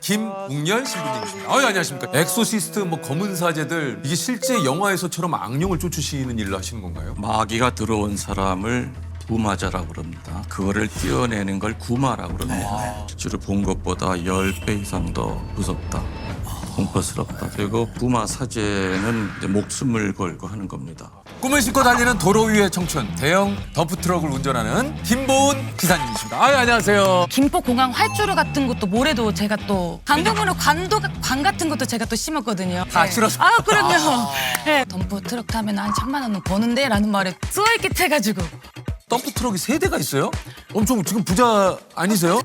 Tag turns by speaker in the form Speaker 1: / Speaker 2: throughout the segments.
Speaker 1: 김웅열 신부님이십니다. 안녕하십니까. 엑소시스트 뭐 검은 사제들 이게 실제 영화에서처럼 악령을 쫓으시는 일을 하시는 건가요?
Speaker 2: 마귀가 들어온 사람을 구마자라고 그럽니다. 그거를 띄어내는 걸 구마라고 그럽니다. 실제로 본 것보다 10배 이상 더 무섭다. 공포스럽다. 그리고 구마 사제는 이제 목숨을 걸고 하는 겁니다.
Speaker 1: 꿈을 싣고 달리는 도로 위의 청춘, 대형 덤프트럭을 운전하는 김보은 기사님이십니다. 안녕하세요.
Speaker 3: 김포공항 활주로 같은 것도 모래도 제가 또 강변으로 관 같은 것도 제가 또 심었거든요.
Speaker 1: 다 실어서?
Speaker 3: 아 그럼요. 네. 덤프 트럭 타면 한 1,000만 원은 버는데 라는 말에 쏘이깃해가지고
Speaker 1: 덤프트럭이 3대가 있어요? 엄청 지금 부자 아니세요?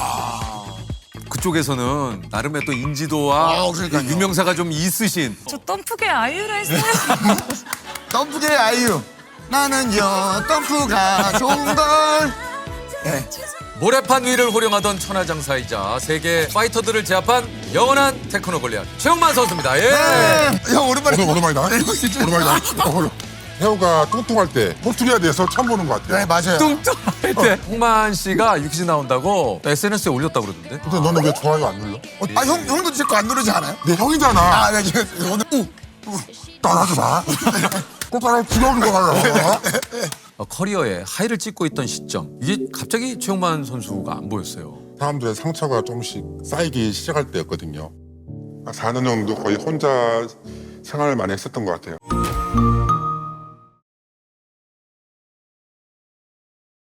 Speaker 1: 그쪽에서는 나름의 또 인지도와
Speaker 4: 그러니까요.
Speaker 1: 유명사가 좀 있으신.
Speaker 3: 저 덤프계 아이유라 했어요.
Speaker 4: 덤프계 아이유. 나는요 덤프가 좋은 걸.
Speaker 1: 모래판 위를 호령하던 천하장사이자 세계 파이터들을 제압한 영원한 테크노 골리앗 최용만 선수입니다. 예.
Speaker 4: 형 오랜만에.
Speaker 5: 오랜만이다. 오랜만이다. 태호가 뚱뚱할 때 포트리아에 대해서 처음 보는 것 같아요.
Speaker 4: 네 맞아요.
Speaker 1: 뚱뚱할 때 홍만 씨가 유퀴즈 나온다고 SNS에 올렸다고 그러던데.
Speaker 5: 근데 너는 왜 좋아요 안 눌러?
Speaker 4: 형도 제 거 안 누르지 않아요?
Speaker 5: 내 형이잖아.
Speaker 4: 아, 네, 오늘
Speaker 5: 따라하지 마. 꽃가루 지겨운 거 하려고.
Speaker 1: 커리어에 하이를 찍고 있던 시점. 이게 갑자기 최용만 선수가 안 보였어요.
Speaker 5: 사람들의 상처가 조금씩 쌓이기 시작할 때였거든요. 4년 정도 거의 혼자 생활을 많이 했었던 것 같아요.